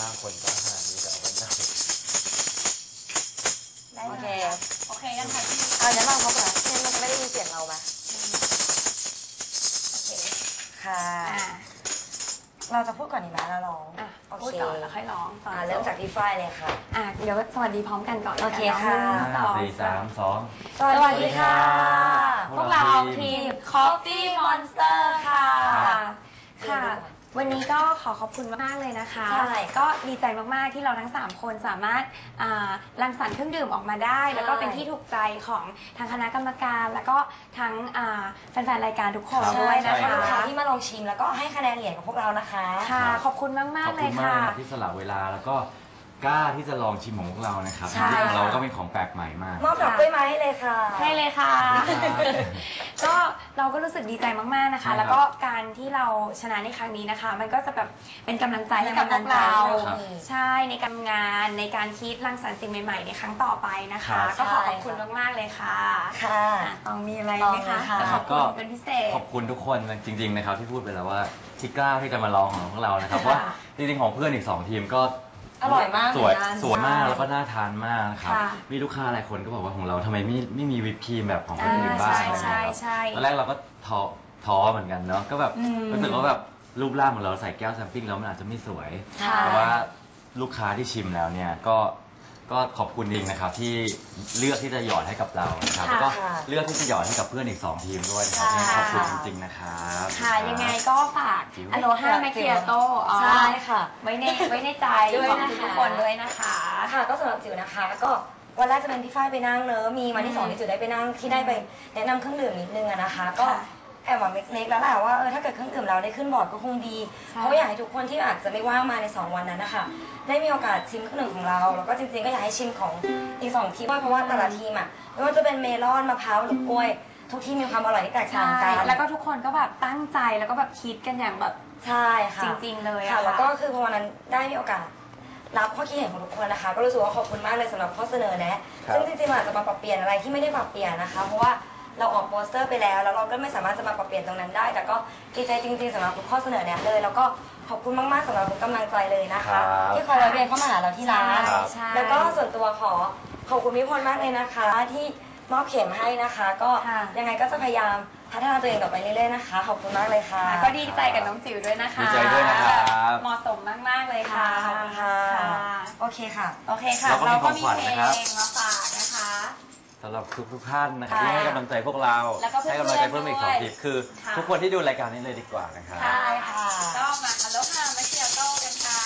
คนก็ขนาดนี้จะเอาไว้ไหนโอเคโอเคยังไงพี่เดี๋ยวลองเขาก่อนเนี่ยมันจะไม่ได้ยินเสียงเราไหมโอเคค่ะเราจะพูดก่อนดีไหมเราร้องพูดก่อนแล้วค่อยร้องเริ่มจากพี่ฝ้ายเลยค่ะเดี๋ยวสวัสดีพร้อมกันก่อนโอเคค่ะ 4 3 2 สวัสดีค่ะพวกเราทีม Coffee Monster ค่ะวันนี้ก็ขอขอบคุณมากเลยนะคะก็ดีใจมากๆที่เราทั้ง3คนสามารถรังสรรค์เครื่องดื่มออกมาได้แล้วก็เป็นที่ถูกใจของทางคณะกรรมการแล้วก็ทั้งแฟนๆรายการทุกคนด้วยนะคะลูกค้าที่มาลองชิมแล้วก็ให้คะแนนเหรียญกับพวกเรานะคะค่ะขอบคุณมากๆเลยค่ะขอบคุณมากที่สละเวลาแล้วก็กล้าที่จะลองชิมของพวกเรานะครับที่ของเราก็เป็นของแปลกใหม่มากมอบดอกกล้วยไม้ให้เลยค่ะให้เลยค่ะก็เราก็รู้สึกดีใจมากๆนะคะแล้วก็การที่เราชนะในครั้งนี้นะคะมันก็จะแบบเป็นกำลังใจให้กับพวกเราใช่ในการงานในการคิดรังสรรค์สิ่งใหม่ๆในครั้งต่อไปนะคะก็ขอบคุณมากๆเลยค่ะค่ะต้องมีอะไรไหมคะขอบคุณเป็นพิเศษขอบคุณทุกคนจริงๆนะครับที่พูดไปแล้วว่าที่กล้าที่จะมาลองของพวกเรานะครับว่าจริงๆของเพื่อนอีก2 ทีมก็อร่อยมากสวยมากแล้วก็น่าทานมากนะครับมีลูกค้าหลายคนก็บอกว่าของเราทำไมไม่มีวิปครีมแบบของคนอื่นบ้างนะครับตอนแรกเราก็ท้อเหมือนกันเนาะก็แบบรู้สึกว่าแบบรูปร่างของเราใส่แก้วแซมปิ้งแล้วมันอาจจะไม่สวยแต่ว่าลูกค้าที่ชิมแล้วเนี่ยก็ขอบคุณจริงนะครับที่เลือกที่จะหยอดให้กับเรานะครับแล้วก็เลือกที่จะหยอดให้กับเพื่อนอีก2 ทีมด้วยนะครับขอบคุณจริงๆนะครับค่ะยังไงก็ฝากอโลฮาแมคเคียโต้ใช่ค่ะไว้ในใจของทุกคนด้วยนะคะค่ะก็สำหรับจิ๋วนะคะก็วันแรกจะเป็นพี่ฝ้ายไปนั่งเนอะมีวันที่2ที่จิ๋วได้ไปนั่งที่ได้ไปแนะนำเครื่องดื่มนิดนึงนะคะก็แอบหวังเล็กๆแล้วแหละว่าถ้าเกิดเครื่องดื่มเราได้ขึ้นบอร์ดก็คงดีเพราะอยากให้ทุกคนที่อาจจะไม่ว่างมาใน2 วันนั้นนะคะได้มีโอกาสชิมเครื่องดื่มของเราแล้วก็จริงๆก็อยากให้ชิมของอีก2 ทีมเพราะว่าแต่ละทีมไม่ว่าจะเป็นเมลอนมะพร้าวหรือกล้วยทุกทีมมีความอร่อยที่แตกต่างกันแล้วก็ทุกคนก็แบบตั้งใจแล้วก็แบบคิดกันอย่างแบบใช่ค่ะจริงๆเลยค่ะแล้วก็คือพอวันนั้นได้มีโอกาสรับข้อคิดเห็นของทุกคนนะคะก็รู้สึกว่าขอบคุณมากเลยสำหรับข้อเสนอแนะซึ่งจริงๆอาจจะมาปรับเปลี่ยนอะไรที่ไม่ได้ปรับเปลี่ยนนะคะเพราะว่าเราออกโปสเตอร์ไปแล้วเราก็ไม่สามารถจะมาปรับเปลี่ยนตรงนั้นได้แต่ก็ดีใจจริงๆสำหรับทุกข้อเสนอแนะเลยแล้วก็ขอบคุณมากๆสำหรับทุกกำลังใจเลยนะคะที่คอยเรียนเข้ามาหาเราที่ร้านแล้วก็ส่วนตัวขอบคุณพี่พลมากเลยนะคะที่มอบเข็มให้นะคะก็ยังไงก็จะพยายามพัฒนาตัวเองต่อไปเรื่อยๆนะคะขอบคุณมากเลยค่ะก็ดีใจกับน้องจิ๋วด้วยนะคะดีใจด้วยนะครับเหมาะสมมากๆเลยค่ะโอเคค่ะเราก็มีเพลงมาฝากนะคะสำหรับทุกท่านนะครับที่ให้กำลังใจพวกเราให้กำลังใจเพิ่มอีก2 ทีมคือทุกคนที่ดูรายการนี้เลยดีกว่านะครับใช่ค่ะก็มาอโลฮามาเชียโต้กันค่ะ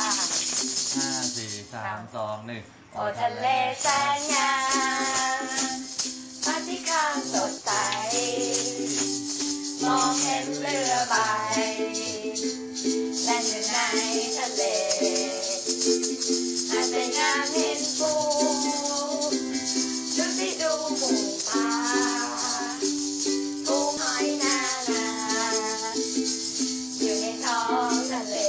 5 4 3 2 1 โอทะเลแสนงามพระอาทิตย์ข้างสดใสมองเห็นเรือใบแล่นอยู่ในทะเลอาจจะงามเห็นปูดูสิดูหมูปลาปูหอยนานาอยู่ในท้องทะเล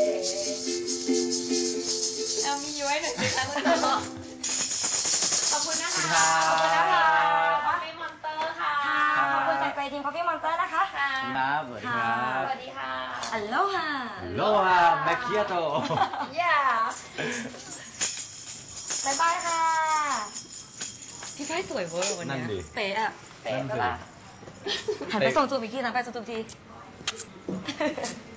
เรามีย้อยหน่อยสิคะคุณต่อขอบคุณนะคะขอบคุณนะคะCoffee Monster ค่ะขอบคุณจากใจทีม Coffee Monster นะคะครับสวัสดีครับสวัสดีค่ะอัลโลฮาแมคเคียโตบ๊ายบายค่ะพี่ฝ้ายสวยเวอร์วันนี้เป๊ะปะล่ะหันไปส่งจูบอีกทีนะไปส่งจูบที